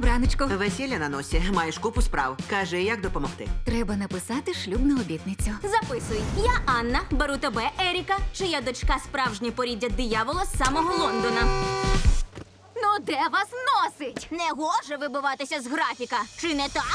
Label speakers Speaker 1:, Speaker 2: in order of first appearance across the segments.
Speaker 1: Добраночко.
Speaker 2: Весілля на носі, маєш купу справ. Кажи, як допомогти.
Speaker 1: Треба написати шлюбну обітницю.
Speaker 3: Записуй. Я Анна, беру тебе, Еріка, чия дочка справжнє поріддя диявола з самого Лондона.
Speaker 1: Ну де вас носить?
Speaker 3: Не гоже вибиватися з графіка, чи не так?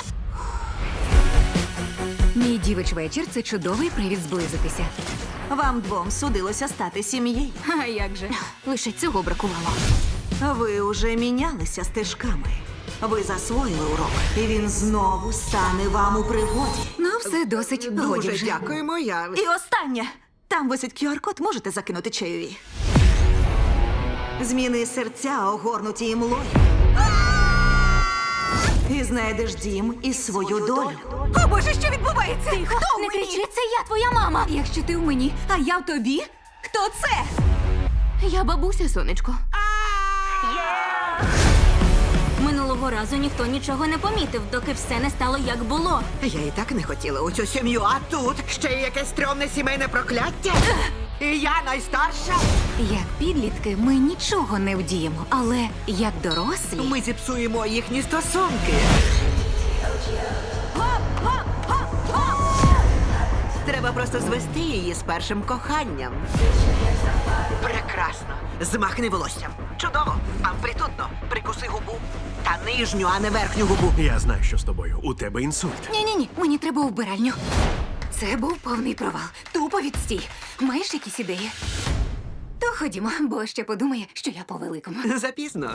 Speaker 1: Мій дівич вечір – це чудовий привід зблизитися.
Speaker 4: Вам двом судилося стати сім'єю.
Speaker 1: А як же? Лише цього бракувало.
Speaker 4: Ви уже мінялися стежками. Ви засвоїли урок, і він знову стане вам у пригоді.
Speaker 1: Ну, все досить. Годі
Speaker 2: Дуже
Speaker 1: вже.
Speaker 2: дякуємо, я...
Speaker 4: І останнє. Там висить QR-код, можете закинути чайові. Зміни серця, огорнуті імлою. І знайдеш дім і свою долю.
Speaker 1: О, Боже, що відбувається? Хто
Speaker 3: Не кричи, це я, твоя мама!
Speaker 1: Якщо ти в мені, а я в тобі, хто це? Я бабуся, сонечко.
Speaker 3: Минулого разу ніхто нічого не помітив, доки все не стало як було.
Speaker 2: Я і так не хотіла у цю сім'ю, а тут ще й якесь стрьомне сімейне прокляття. І я найстарша.
Speaker 1: Як підлітки ми нічого не вдіємо, але як дорослі...
Speaker 2: Ми зіпсуємо їхні стосунки. Треба просто звести її з першим коханням. Прекрасно. Змахни волоссям. Чудово. Амплітудно. Прикуси губу. Та нижню, а не верхню губу.
Speaker 5: Я знаю, що з тобою. У тебе інсульт.
Speaker 1: Ні-ні-ні, мені треба у вбиральню. Це був повний провал. Тупо відстій. Маєш якісь ідеї? То ходімо, бо ще подумає, що я по-великому.
Speaker 2: Запізно.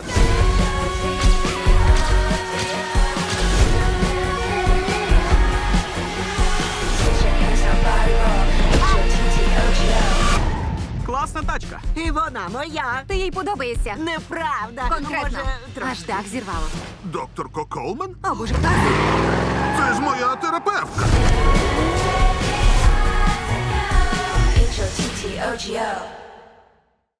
Speaker 5: Класна тачка.
Speaker 2: І вона моя.
Speaker 1: Ти їй подобаєшся?
Speaker 2: Неправда.
Speaker 1: Конкретно.
Speaker 2: Може, трошки.
Speaker 1: Аж так зірвало.
Speaker 6: Доктор Колман?
Speaker 1: О, Боже, хто це?
Speaker 6: Це ж моя терапевтка.